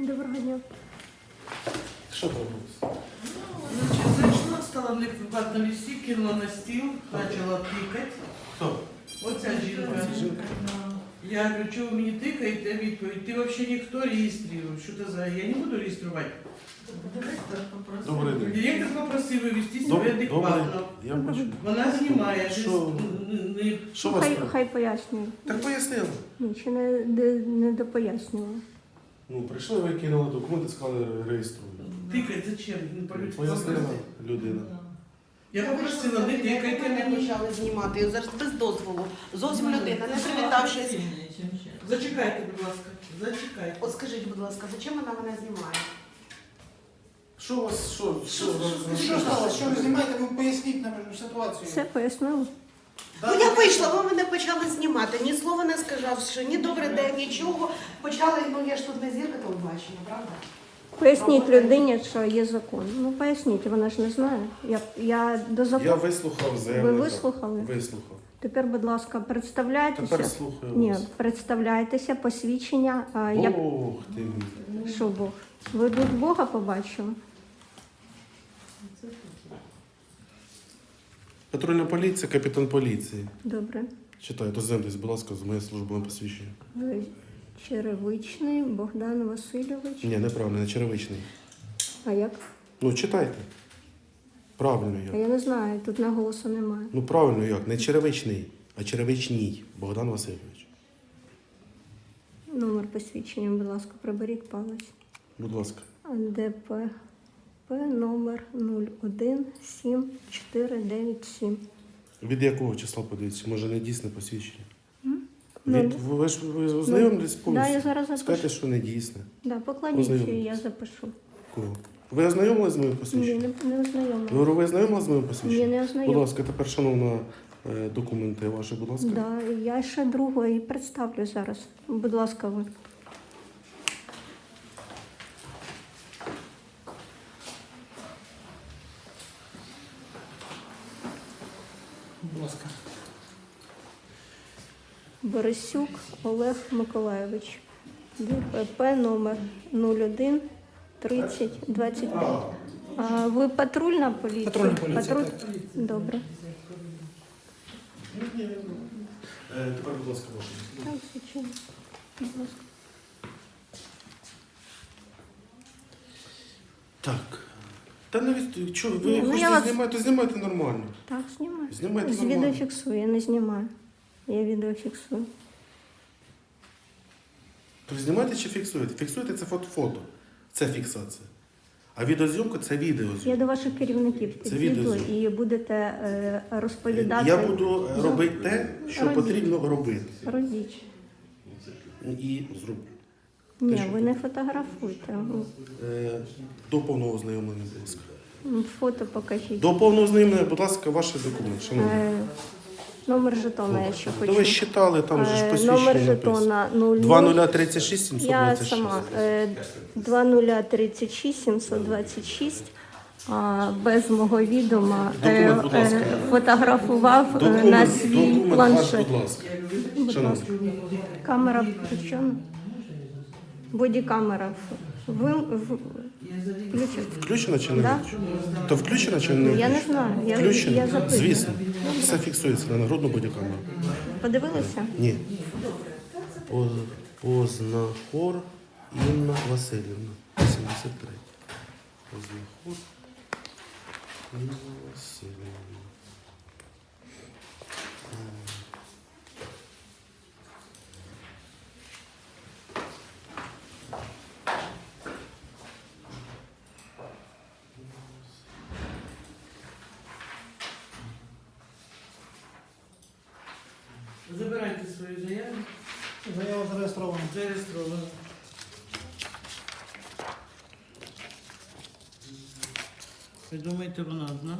Доброго дня. Що трапилось? Значит, зайшла, стала в ватному листі, кинула на стіл, почала тикати. Хто? Оця жінка. Жінка. Я говорю, що ви мені тикаєте? Відповідь, ти взагалі ніхто реєструє. Що це за? Я не буду реєструвати. Добрий день. Директор попросив вивести себе адекватно. Я бачу. Вона знімає. Що? Що вас? Хай пояснює. Так пояснили. Нічого не допояснювала. Ну, прийшли, ви кинули документи, сказали, реєструють. Тикать зачем? Не по-людськи. Пояснила людина. Я попросила, не тикайте Мене мені. почали знімати, і зараз без дозволу. Зовсім людина, не привітавшись. Зачекайте, будь ласка. Зачекайте. От скажіть, будь ласка, зачем вона мене знімає? Що у вас, що? Що сталося? Що ви знімаєте? Ви поясніть нам ситуацію. Все пояснила? Ну я вийшла, ви мене почали знімати. Ні слова не сказавши, ні добрий день, нічого. Почали, ну я ж тут не зірка телебачення, правда? Поясніть людині, що є закон. Ну поясніть, вона ж не знає. Я до Я закону. вислухав Ви заявника. вислухали? Вислухав. Тепер, будь ласка, представляйтеся. Тепер слухаю Ні, вас. представляйтеся, посвідчення. Як... Ох ти мій. Що Бог? Ви тут Бога побачили? Патрульна поліція, капітан поліції. Добре. Читаю, дозвемтесь, будь ласка, з моєю службовим посвідченням. Черевичний Богдан Васильович. Ні, неправильно, не черевичний. А як? Ну, читайте. Правильно А як. я не знаю, тут наголосу немає. Ну, правильно як. Не черевичний, а черевичній. Богдан Васильович. Номер посвідчення, будь ласка, приберіть палець. Будь ласка. ДПП номер 0179497. Від якого числа подивіться? Може, не дійсне посвідчення? Ну, Ви ознайомились Да, повністю? я зараз запишу. Скажете, що не дійсне. Да, покладіть, Ознайомитесь. я запишу. Кого? Ви ознайомились з моїм Ні, посвідченням? не ознайомила. Ви ознайомились з моїм посвідченням? Ні, не Будь ознайомила. ласка, тепер, шановна, документи ваші, будь ласка. Да, я ще другого і представлю зараз. Будь ласка, ви. Будь ласка. Борисюк Олег Миколайович. ДПП номер 01 30 25. А ви патрульна поліція? Патрульна поліція, так. Добре. Тепер, будь ласка, ваше. Так, звичайно. Будь ласка. Так. Та навіть, що, ви Ну, я хочете вас- знімати, то знімайте нормально. Так, знімаю. Знімайте З нормально. відео фіксую, я не знімаю. Я відео фіксую. То знімайте чи фіксуєте? Фіксуєте це фото. Це фіксація. А відеозйомка це Я відеозйомка. до ваших керівників Це підійду відеозйомка. і будете розповідати. Я буду робити те, що Робіть. потрібно робити. Робіть. І зроблю. Ні, що ви не фотографуйте. До повного ознайомлення, будь ласка. Фото покажіть. До повного ознайомлення, будь ласка, ваші документи. Шановні. Номер жетона я ще То ви хочу. считали, там же ж посвідчення Номер написано. жетона 00. 2036 Я 726. сама 2036 726. Без мого відома Документ, будь ласка. фотографував на свій Документ ваш, планшет. будь ласка. Будь Шановні. ласка. Камера включена. Бодікамера. Включена. Включено чи не Да. включено? То включено чи не Я не включено? знаю. Я Включено? запитую. Звісно. Все фіксується на нагрудну бодікамеру. Подивилися? Ні. Познахор Інна Васильівна. 73. Познахор Інна Васильівна. Забирайте свою заяву. Заява зареєстрована. Зареєстровано. Ви думаєте, вона одна?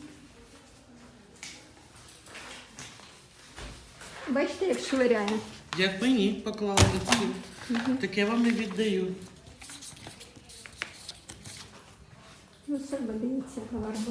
Бачите, як швиряє? Як мені поклали до цілі. Так я вам не віддаю. Ну, себе дивіться, гарбу.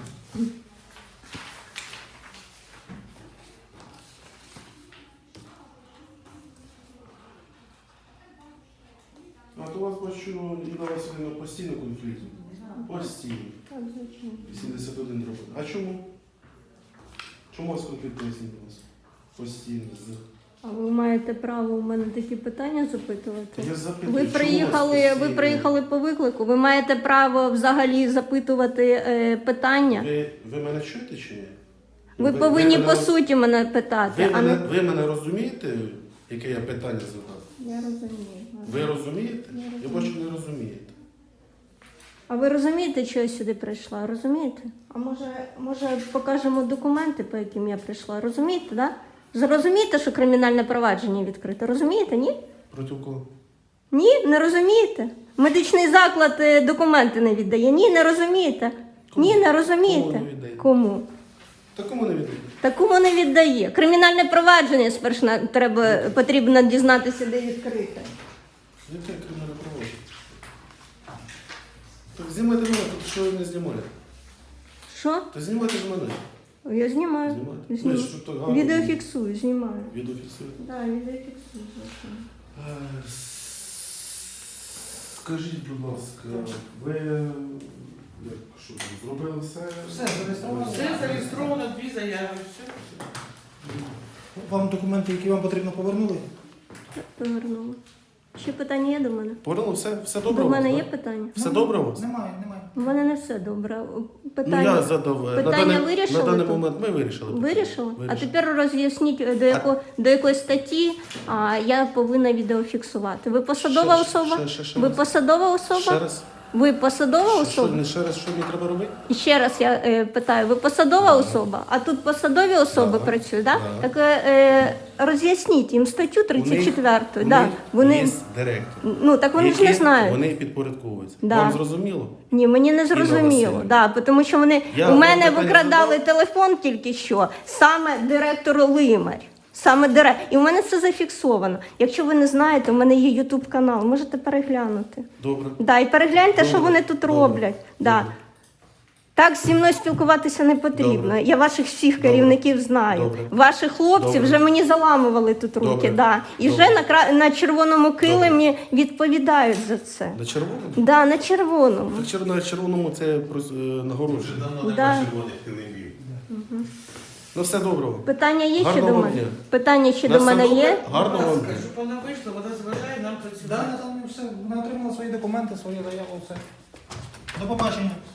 А то у вас бачу, Інна Васильівна, постійно конфлікт. Постійно. Так, звичайно. 81 робить. А чому? Чому у вас конфлікт, поясніть, будь ласка? Постійно. А ви маєте право у мене такі питання запитувати? Я запитую, Ви чому у вас приїхали, постійно? по виклику. Ви маєте право взагалі запитувати питання. Ви мене чуєте чи ні? Ви повинні мене по роз- суті мене питати. Ви а мене, не... ви мене розумієте, яке я питання задав? Я розумію. Ви розумієте? Я Я бачу, не розумієте. А ви розумієте, що я сюди прийшла? Розумієте? А може покажемо документи, по яким я прийшла? Розумієте, да? Розумієте, що кримінальне провадження відкрите? Розумієте, ні? Проти кого? Ні, не розумієте. Медичний заклад документи не віддає. Ні, не розумієте. Кому? Ні, не Кому розумієте. не віддає? Кому? Такому не відомо. Такому не віддає. Кримінальне провадження спершу потрібно дізнатися, де відкрите. Яке кримінальне провадження? Так знімайте мене, тут що не знімаєте. Що? То знімайте ж мене. Я знімаю. Знімаєте? Знімаю. Ну, що так гарно? Відеофіксую, знімаю. Відео фіксуєте. Так, відеофіксую, звичайно. Скажіть, будь ласка, ви що, зробили все? Все зареєстровано. Все зареєстровано, 2 заяви, все. Вам документи, які вам потрібно, повернули? Повернула. Ще питання є до мене? Повернули все добре? До у вас, мене да? є питання? Все добре у вас? Немає. У мене не все добре. Ну, Питання, я задав. питання вирішили на даний тут? момент ми вирішили. питання. Вирішили? А Вирішили. тепер роз'ясніть, до якої статті я повинна відеофіксувати. Ви посадова особа? Ще Ви раз. посадова Ще особа? раз. Ви посадова Що, особа? ще раз, що мені треба робити? І ще раз я питаю, ви посадова особа? А тут посадові особи Да. працюють, да? Да. Так роз'ясніть їм статтю 34. Вони є директор. Ну, так вони ж не Які знають. Вони підпорядковуються. Да. Вам зрозуміло? Ні, мені не зрозуміло. Васильівна. Да, тому що вони Я у вам мене питання викрадали задав. телефон тільки що, саме директор Лимар. Саме директор. І у мене це зафіксовано. Якщо ви не знаєте, у мене є Ютуб канал, можете переглянути. Добре. Да, і перегляньте, Добре. що вони тут Добре. роблять. Да. Добре. Так зі мною спілкуватися не потрібно. Добре. Я ваших всіх Добре. керівників знаю. Добре. Ваші хлопці Добре. вже мені заламували тут руки. Добре. Да. І Добре. вже на червоному килимі відповідають за це. На червоному? Да, на червоному. Так на червоному це нагородження. Да. Ну все добре. Питання є ще Гарного до вам мене? дня. Питання ще На до все мене добре? є? Гарного вам дня. Щоб вона вийшла, вона заважає нам Да, працювати. там все. Вона отримала свої документи, свої заяви, все. До побачення.